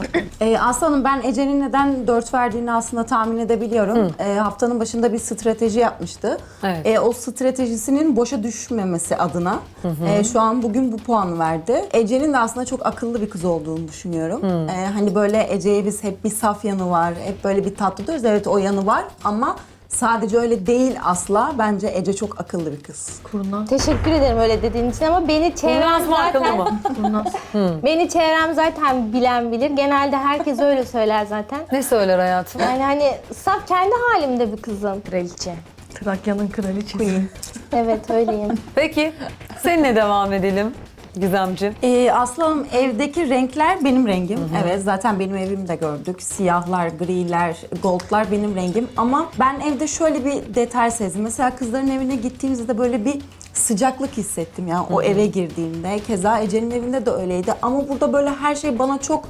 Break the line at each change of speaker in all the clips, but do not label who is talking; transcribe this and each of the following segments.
Aslanım ben Ece'nin neden 4 verdiğini aslında tahmin edebiliyorum. Haftanın başında bir strateji yapmıştı.
Evet.
O stratejisinin boşa düşmemesi adına şu an bugün bu puanı verdi. Ece'nin de aslında çok akıllı bir kız olduğunu düşünüyorum. Hani böyle Ece'ye biz hep bir saf yanı var, hep böyle bir tatlı diyoruz. Evet o yanı var ama sadece öyle değil asla. Bence Ece çok akıllı bir kız.
Kurnaz.
Teşekkür ederim öyle dediğin için ama beni çevrem
Kurnaz mı akıllı
zaten
mı?
Kurnaz.
beni çevrem zaten bilen bilir. Genelde herkes öyle söyler zaten.
Ne söyler hayatım?
Yani hani saf kendi halimde bir kızım.
Kraliçe.
Trakya'nın kraliçesi.
Evet öyleyim.
Peki seninle devam edelim Gizemciğim.
Aslanım evdeki renkler benim rengim. Evet zaten benim evimde gördük. Siyahlar, griler, goldlar benim rengim. Ama ben evde şöyle bir detay sezdim. Mesela kızların evine gittiğimizde böyle bir sıcaklık hissettim ya o eve girdiğimde. Keza Ece'nin evinde de öyleydi. Ama burada böyle her şey bana çok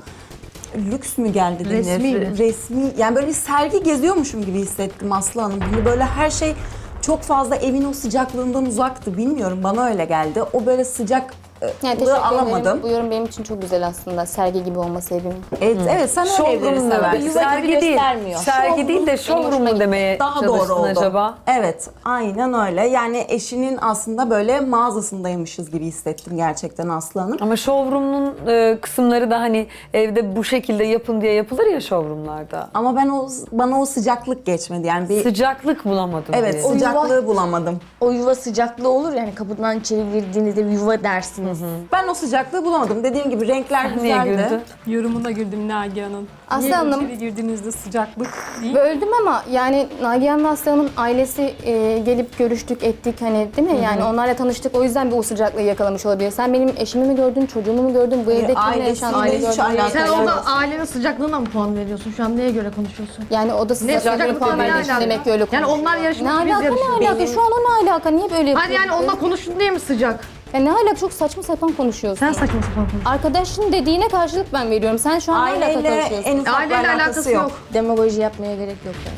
lüks mü geldi denir?
Resmi mi?
Resmi. Yani böyle bir sergi geziyormuşum gibi hissettim Aslı Hanım. Hani böyle her şey çok fazla evin o sıcaklığından uzaktı. Bilmiyorum bana öyle geldi. O böyle sıcak
Yani teşekkür
alamadım.
ederim. Bu yorum benim için çok güzel aslında. Sergi gibi olması evim.
Evet, evet sen öyle evleri
Showroom mu?
seversin.
Sergi değil.
göstermiyor.
Sergi değil de showroom mu demeye
Daha doğru
çalıştın
oldu.
acaba?
Evet, aynen öyle. Yani eşinin aslında böyle mağazasındaymışız gibi hissettim gerçekten Aslı Hanım.
Ama showroom'un kısımları da hani evde bu şekilde yapın diye yapılır ya showroom'larda.
Ama bana o sıcaklık geçmedi. Yani bir
Sıcaklık bulamadım
evet
diye.
sıcaklığı bulamadım.
O yuva sıcaklığı olur yani kapıdan içeri girdiğinizde yuva dersiniz.
Ben o sıcaklığı bulamadım. Dediğim gibi renkler
Niye
güzeldi.
güldün?
Yorumuna güldüm Nagihan'ın.
Aslı
Niye
Hanım-
içeri girdiğinizde sıcaklık değil?
Böldüm ama yani Nagihan'la Aslı Hanım'ın ailesi gelip görüştük ettik hani değil mi? Yani onlarla tanıştık o yüzden bir o sıcaklığı yakalamış olabilir. Sen benim eşimi mi gördün, çocuğumu mu gördün, bu evde kimle
ailesiyle
yaşandığını
hiç
gördün.
alakası
Sen
yok.
orada ailenin sıcaklığına mı puan veriyorsun? Şu an neye göre konuşuyorsun?
Yani o da
Ne
sıcaklığını
sıcaklık
puan
ne
verdiği için
alaka?
demek ki öyle
Yani
konuşuyor.
onlar
Ne
yarışmış biz
alaka ne
yarışıyoruz.
alaka? Şu an o ne alaka? Niye böyle
Hadi yani onunla konuştun diye mi sıcak?
Ya ne alaka? Çok saçma sapan konuşuyorsun.
Sen saçma sapan konuşuyorsun.
Arkadaşın dediğine karşılık ben veriyorum. Sen şu an ne alaka
Aileyle
konuşuyorsun?
en ufak bir
Aileyle
alakası yok.
Demagoji yapmaya gerek yok yani.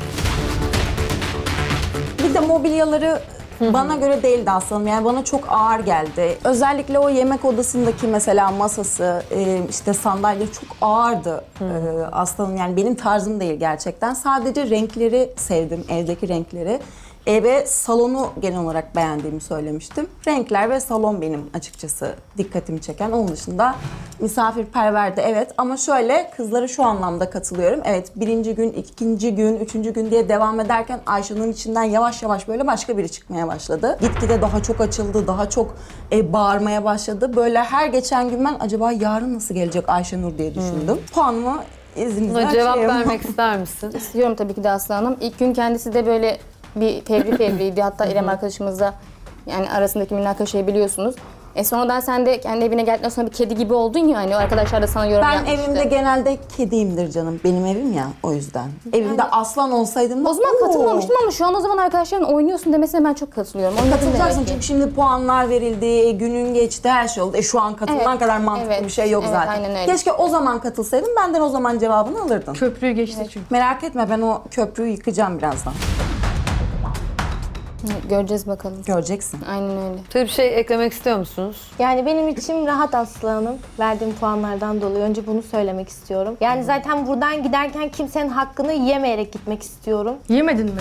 Bir de mobilyaları bana göre değildi aslında. Yani bana çok ağır geldi. Özellikle o yemek odasındaki mesela masası, işte sandalye çok ağırdı aslanım. Yani benim tarzım değil gerçekten. Sadece renkleri sevdim, evdeki renkleri. Ve salonu genel olarak beğendiğimi söylemiştim. Renkler ve salon benim açıkçası dikkatimi çeken. Onun dışında misafirperverdi evet. Ama şöyle kızlara şu anlamda katılıyorum. Evet birinci gün, ikinci gün, üçüncü gün diye devam ederken Ayşe'nin içinden yavaş yavaş böyle başka biri çıkmaya başladı. Gitgide daha çok açıldı, daha çok bağırmaya başladı. Böyle her geçen gün ben acaba yarın nasıl gelecek Ayşenur diye düşündüm. Puanımı izninizle
Buna cevap
açayım.
vermek ister misin?
İstiyorum tabii ki de Aslı Hanım. İlk gün kendisi de böyle bir fevriydi. Hatta İrem arkadaşımızla yani arasındaki münakaşayı biliyorsunuz. Sonradan sen de kendi evine geldikten sonra bir kedi gibi oldun ya hani o arkadaşlar da sana yorum
Ben
yapmıştı.
evimde genelde kediyimdir canım. Benim evim ya o yüzden. Evimde aslan olsaydım da
O zaman katılmamıştım ama şu an o zaman arkadaşların oynuyorsun demesine ben çok katılıyorum. Oynadın
katılacaksın
demek ki.
çünkü şimdi puanlar verildi, günün geçti, her şey oldu. Şu an katılman
Evet,
kadar mantıklı
evet,
bir şey yok
evet,
zaten.
aynen öyle.
Keşke o zaman katılsaydın, benden o zaman cevabını alırdın.
Köprüyü geçti çünkü.
Merak etme ben o köprüyü yıkacağım birazdan.
Göreceğiz bakalım.
Göreceksin.
Aynen öyle.
Şöyle bir şey eklemek istiyor musunuz?
Yani benim içim rahat Aslı Hanım. Verdiğim puanlardan dolayı. Önce bunu söylemek istiyorum. Yani zaten buradan giderken kimsenin hakkını yemeyerek gitmek istiyorum.
Yemedin mi?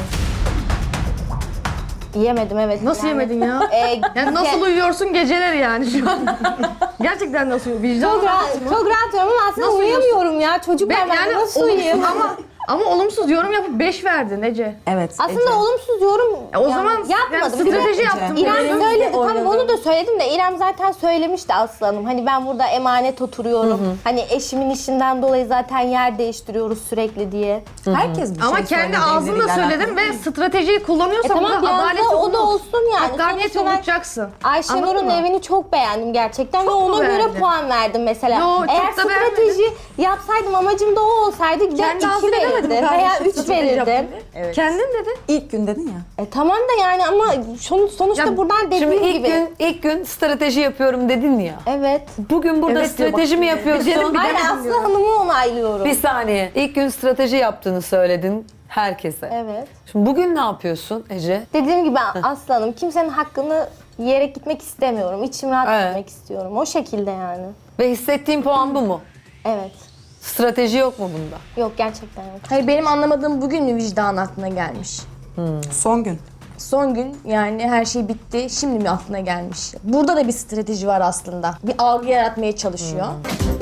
Yemedim evet.
Nasıl
Yani,
yemedin ya? Yani nasıl
ke-
uyuyorsun geceleri yani şu an? Gerçekten nasıl uyuyorsun? Vicdan
Çok rahat, çok rahat uyuyorum ama aslında
Nasıl
uyuyamıyorum ya. Çocuk ben
yani
nasıl
olumsuz
uyuyayım?
ama olumsuz yorum yapıp 5 verdin Ece.
Evet.
Aslında
Ece.
olumsuz yorum
O
yani
zaman
yapmadım.
yani strateji yaptım.
İrem
Benim de
söyledi. Tamam
oynadım.
onu da söyledim de İrem zaten söylemişti Aslı Hanım. Hani ben burada emanet oturuyorum. Hani eşimin işinden dolayı zaten yer değiştiriyoruz sürekli diye.
Herkes bir
Ama
şey
kendi
söyledi
ağzınla
evleriyle
söyledin
alakalı.
ve stratejiyi kullanıyorsan
Tamam
burada
biraz
adaleti
da o da
unut.
olsun yani.
Hakkaniyeti
Sonuçta ben
unutacaksın.
Ayşenur'un
Anladın mı?
evini çok beğendim gerçekten ve
Çok mu
ona göre
beğendin?
puan verdim mesela.
Yo, çok
Eğer
da
strateji yapsaydım amacım da o olsaydı gider
Kendi
2
ağzıyla demedin
verirdim
mi
veya
kardeşim
3
strateji yaptın
verirdim.
diye? Kendin dedin.
İlk gün dedin ya.
Tamam da yani ama sonuçta
Ya,
buradan dediğim
Şimdi
gibi.
ilk gün strateji yapıyorum dedin ya.
Evet.
Bugün burada
Evet diyor,
strateji
bak.
mi yapıyorsun?
Hayır Aslı Hanım'ı onaylıyorum.
Bir saniye. İlk gün strateji yaptığını söyledin herkese.
Evet.
Şimdi bugün ne yapıyorsun Ece?
Dediğim gibi Aslı Hanım kimsenin hakkını yiyerek gitmek istemiyorum. İçim rahat
Evet.
gitmek istiyorum. O şekilde yani.
Ve hissettiğin puan bu mu?
Evet.
Strateji yok mu bunda?
Yok gerçekten yok. Hayır benim anlamadığım bugün mü vicdan aklına gelmiş?
Son gün.
Son gün yani her şey bitti. Şimdi mi aklına gelmiş? Burada da bir strateji var aslında. Bir algı yaratmaya çalışıyor.